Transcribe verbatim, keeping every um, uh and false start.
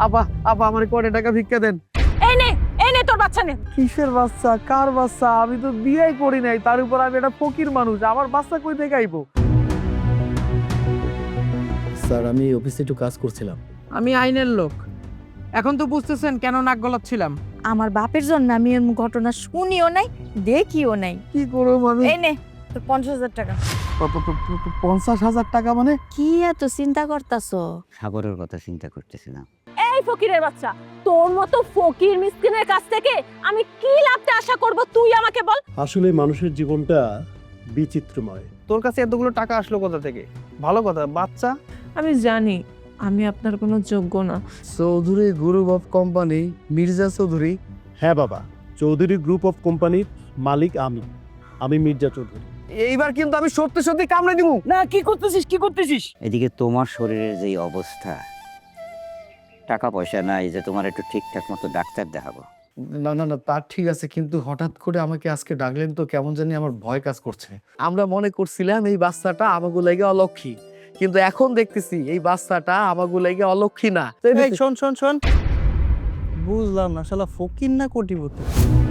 আপা আপা আমার কয়টা টাকা ভিক্ষা দেন। এই নে এই নে তোর বাচ্চা নে। কিসের বাচ্চা? কার বাচ্চা? আমি তো বিয়েই করি নাই, তার উপর আমি একটা ফকির মানুষ, আমার বাচ্চা কই থেকে আইবো? স্যার আমি অফিসে একটু কাজ করছিলাম। আমি আইনের লোক, এখন তো বুঝতেছেন কেন নাক গলাচ্ছিলাম। আমার বাপের জন্য আমি এর ঘটনা শুনিও নাই, দেখিও নাই। কি করব আমি? এই নে তোর পঞ্চাশ হাজার টাকা। প- প- প- প- পঞ্চাশ হাজার টাকা মানে? কি এত চিন্তা করতাছো? সাগরের কথা চিন্তা করতেছিলাম। এই ফকিরের বাচ্চা, তোর মতো ফকির মিসকিনের কাছ থেকে আমি কি লাভটা আশা করব তুই আমাকে বল। আসলে মানুষের জীবনটা বিচিত্রময়। তোর কাছে এতগুলো টাকা আসলো কোথা থেকে? ভালো কথা, বাচ্চা। আমি জানি আমি আপনার কোনো যোগ্য না। Chowdhury group of company, Mirza Chowdhury. হ্যাঁ বাবা, চৌধুরী গ্রুপ অফ কোম্পানির মালিক আমি আমি মির্জা চৌধুরী। এইবার কিন্তু আমি সত্যি সত্যি কামড়ে দিব। না কি করতেছিস কি করতেছিস? এদিকে তোমার শরীরের যেই অবস্থা, টাকা পয়সা নাই যে তোমার একটু ঠিকঠাক মতো ডাক্তার দেখাবো। না না না তার ঠিক আছে, কিন্তু হঠাৎ করে আমাকে আজকে ডাকলেন তো কেমন জানি আমার ভয় কাজ করছে। আমরা মনে করছিলাম এই বাচ্চাটা আমাগো লাগে অলক্ষী, কিন্তু এখন দেখতেছি এই বাচ্চাটা আমাগো লাগে অলক্ষী না। এই শোন শোন শোন, বুঝলাম না শালা ফকির না কোটিপতি।